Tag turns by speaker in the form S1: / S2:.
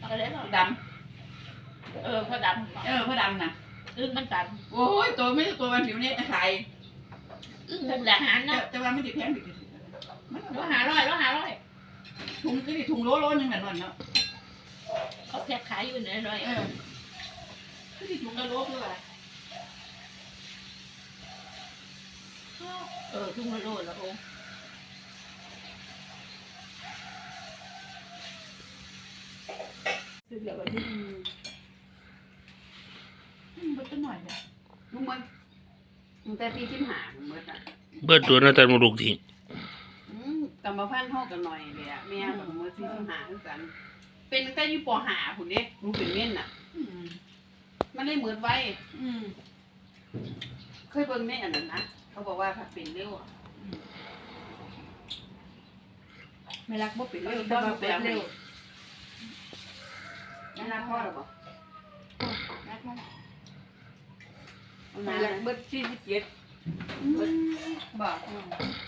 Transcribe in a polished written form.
S1: อะไรก็
S2: ด
S1: พอดำ
S2: พอดำนะ
S1: อึ้งมันตัน
S2: โอ้ยตัวไม่ตัวมันผิวเนี่ยตะไคร้
S1: อึ้งเป็นอาหารนะ
S2: แต่ว่าไม่ติดแพงติด
S1: ร้อย
S2: ถุงก็ดิถุงโลนึงแบบนั้นเนาะ
S1: เขาแพ็คขายอยู่ไหนร้อย
S2: ก็ดิถุงละโลคืออะไร
S1: ทุ่งละโลแล้วโอ้
S2: ซื้อเหลือไว้ที่มันจะหน่อยเลยลุงมันแต่ปีที่หาเมื่อน่ะ
S3: เบิดตัวน่าจะมาลูกทิ้ง
S2: กรรมพันธุ์ห้องกันหน่อยเลยอ่ะแม่แบบเมื่อปีที่หาคือกันเป็นตั้งแต่อยู่ป.หาผุนเด็กรู้เป็นเม่นน่ะมันเลยเหมือนไว้เคยเบิ่งในอันนั้นนะเขาบอกว่าถ้าเป็นเร็วไม่รักบ่เป็นเร็วแต่ว่าเป็นเร็วไม่รักพ่อหรอบอกไม่รักเบิด47บอก